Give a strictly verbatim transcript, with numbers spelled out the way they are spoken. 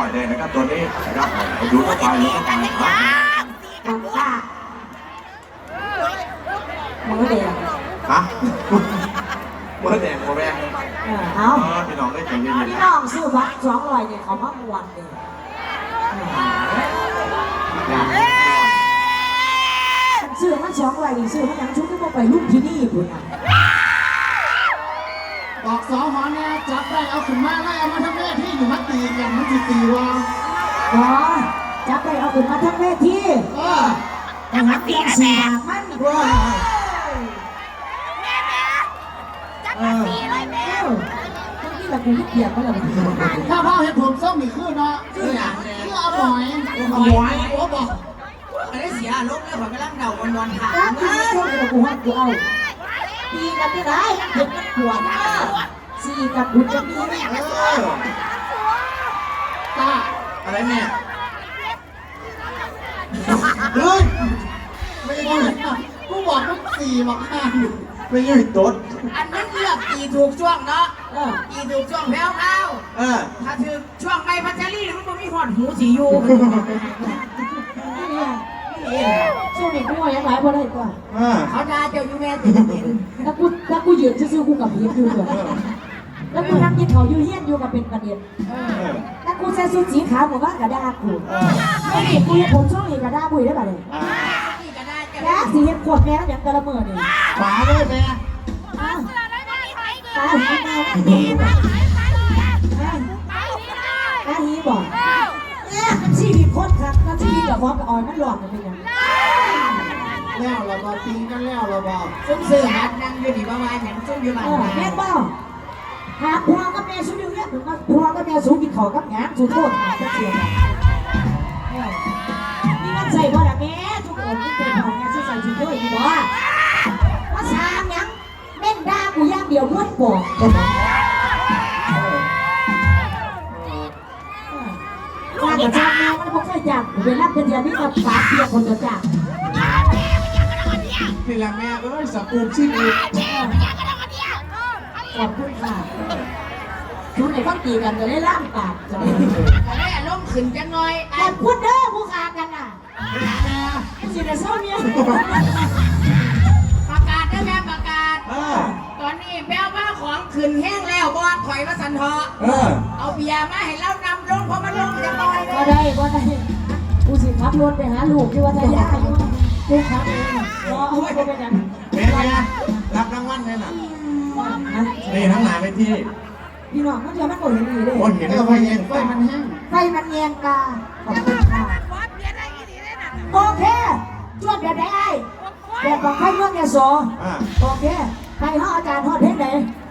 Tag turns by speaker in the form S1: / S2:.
S1: ล่อยเลยนะครับตัวนี้นะครับดูเข้าไปดูเข้าไปครับ
S2: ค่ะมือเดียว
S1: ฮะเมื่อแดงโมแดง
S2: เอา
S1: พี่น้องได้ใจเย็น
S2: พี่น้องซื้อวัดสองร้อยเนี่ยเขามามวนเลยซื้อมันสองร้อยนี่ซื้อมันยังชุดที่พวกไปรุ่นที่นี่คุณอ่ะ
S3: บอกสอหอเนี่ยจับได้เอาขึ้นมาไล่เอามาทำแม่ที่อยู่มัดตีกันมันจีตีวะ
S2: อ๋อจับไปเอาขึ้นมาทั้งเวที
S3: เออ
S2: แต่หักเตียงสี่บาทมันกว่า
S3: เออ
S2: ทั้งที่เราคุณเกียร์ก็เลย
S3: ถ้าพ่อเห็นผมส้มอีกขึ้นเนาะคืออย่างคือเอาหอยเอาหอยโอ้บอก
S4: ไม่ได้เสียลบแล้วผมกำลังเดาวันวันถาม
S2: แล้วที่ไม่ช่วยเรากูให้กูเอาปีกันที่ไหนเด็กมันขวดสี่กับคุณจะมีไหม
S1: เออ
S3: ตา
S1: อะไรเนี่ย
S3: เฮ้ยไม่ได้กูบอกมึงสี่บอกห้า
S1: ไม่ใช่ต๊ด
S4: อันนั้นเลือกตีถูกช่วงเนาะ
S2: เออ
S4: ตีถูกช่วงแพ้วเข้า
S1: เออ
S4: ถ้าถือช่วงไม่พัชรีมันก็มีหอดหูสีอยู่
S2: ช่วงนี้กูยังหลายพอได้กว่า
S1: เออ
S4: เขาด่าเจ้าอยู่แม่ติดติด
S2: ถ้ากูถ้ากูยืนซื่อๆกูกับพีอยู่เลยแล้วกูนั่งกินเขาอยู่เฮี้ยนอยู่กับเป็นประเด็นถ้ากูใส่ชุดสีขาวผมว่ากระดาษกูไม่เห็นกูเห็นผมช่องอีกกระดาษบุยได้ป่ะเลย
S4: นี่ก็ได้จะ
S2: แล้วสีเห็นขวดแม่อย่างกระเมิดนี่
S3: ขวาด้วยแม่
S2: อ้าวตาหีมาดีป่ะตาหีบอกเนี่ยมันชีวิตโคตรครับแล้วชีวิตกับพร้อมกับออยมันหลอดมันเป็นยัง
S3: แล้วเราบอกตีกันแล้วเราบอก
S4: ซุ้มเสือหัดนั่งอยู่ที่บ้านเห็นซุ้มอยู่บ้าน
S2: เออแม่บ้าหาพ่อกับแม่สู้อยู่เนี่ยถึงมาพ่อกับแม่สู้กินข้าวกับงานสู้โทษหาจะเสียนี่มันใส่บ่ละแม่ทุกคนที่เป็นของงานสู้ใส่ชุดด้วยดีบ่ว่าสามยังเม่นด่ากูย่างเดียวม้วนปอกว่าจะจ้างแม่มันไม่เคยจ้างเป็นรับเดือนนี้มาฝากเพียคนจะจ้าง
S3: นี่แหละแม่เอ้ยสกูปชีวิต
S2: ขอบคุณค่ะคุณไหนต้องตีกันจะได้ล่ามปากจะได้
S4: ก็ได้อารมณ์ขึ้นจังหน่อย
S2: ขอบคุณเด้อผู้ค้ากันน่ะสิได้เศร้าเนี่ย
S4: ประกาศได้แม่ประกาศ
S1: เออ
S4: ตอนนี้แป้วมาของขึ้นแห้งแล้วบอดถอยมาสันทอ
S1: เออ
S4: เอาเบียร์มาให้เรานำลงเพราะมันลงจะลอยเล
S2: ก็
S4: ย
S2: ได้ก็ได้กูสิขับรถไปหาลูกที่วัดยาอยู่กูขับเองรอเอาไว้ก็เป็นอย่าง
S1: แม่แม่รับรางวัลเลยน่ะนี่ทั้งหลายไปที่
S2: พี่น้องมันจะมันก็เห็นดีเลย
S1: คนเห็น
S3: แล้
S1: แล้ว ว
S3: ไฟ
S1: ก็
S3: เย็
S1: เย็
S3: น
S1: น
S3: ไฟมันแห้ง
S2: ไฟมันเงียงกาขอบคุณค่ะโอเคจวดแบบไหนไอ้แบบของใครเมืองเนี่ยโส
S1: อ่า
S2: โอเคใครห้ออาจารย์ทอดเทศไหน